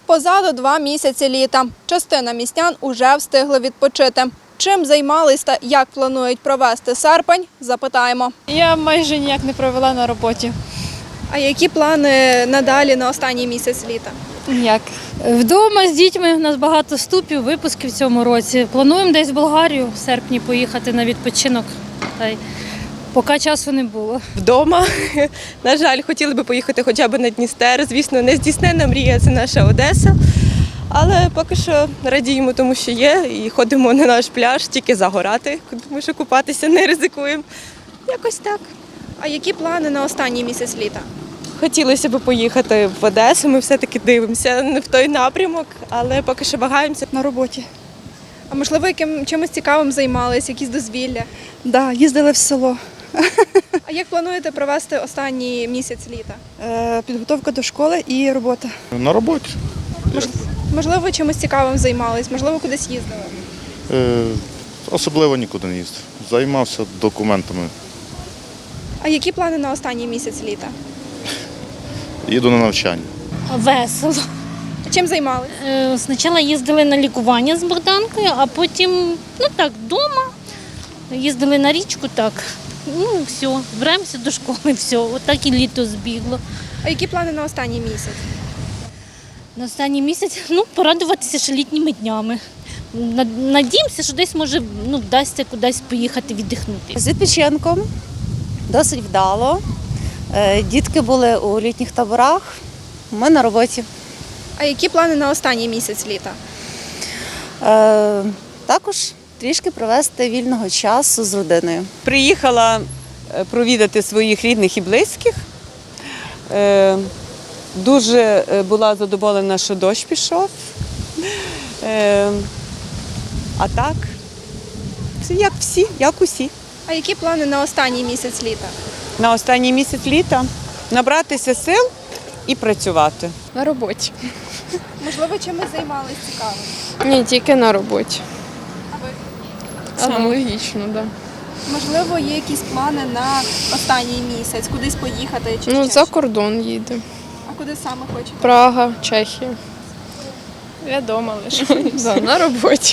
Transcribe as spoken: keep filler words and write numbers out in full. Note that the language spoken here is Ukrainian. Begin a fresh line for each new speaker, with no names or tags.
Позаду два місяці літа. Частина містян уже встигли відпочити. Чим займались та як планують провести серпень – запитаємо.
Я майже ніяк не провела на роботі.
А які плани надалі на останній місяць літа?
Ніяк.
Вдома з дітьми, у нас багато вступів, випусків в цьому році. Плануємо десь в Болгарію в серпні поїхати на відпочинок. Та й поки часу не було.
Вдома. На жаль, хотіли би поїхати хоча б на Дністер. Звісно, не здійснена мрія – це наша Одеса. Але поки що радіємо тому, що є, і ходимо на наш пляж тільки загорати, тому що купатися не ризикуємо. Якось так.
А які плани на останній місяць літа?
Хотілося б поїхати в Одесу, ми все-таки дивимося не в той напрямок, але поки що вагаємося.
На роботі.
А можливо, яким чимось цікавим займались, якісь дозвілля?
Да, їздили в село.
А як плануєте провести останній місяць літа?
Е, підготовка до школи і робота.
На роботі.
Можливо, чимось цікавим займались, можливо, кудись їздили?
Е, особливо нікуди не їздив. Займався документами.
А які плани на останній місяць літа?
Їду на навчання.
Весело.
Чим займались?
Е, Спочатку їздили на лікування з Богданкою, а потім, ну так, вдома. Їздили на річку, так. Ну, все, збираємося до школи, все. Отак і літо збігло.
А які плани на останній місяць?
На останній місяць, ну, порадуватися ще літніми днями. Над- Надіємося, що десь, може, ну, вдасться кудись поїхати віддихнути.
З відпочинком досить вдало. Е, Дітки були у літніх таборах, ми на роботі.
А які плани на останній місяць літа?
Е, Також трішки провести вільного часу з родиною.
Приїхала е, провідати своїх рідних і близьких. Е, Дуже е, була задоволена, що дощ пішов. Е, А так, це як всі, як усі.
А які плани на останній місяць літа?
На останній місяць літа набратися сил і працювати.
На роботі.
Можливо, чимось займались цікавим?
Ні, тільки на роботі.
А ви?
Саме логічно, так. Да.
Можливо, є якісь плани на останній місяць, кудись поїхати чи
Ну,
ще
за
щось?
кордон їде.
А куди саме хочете?
Прага, Чехія. Я вдома лише. Да, на роботі.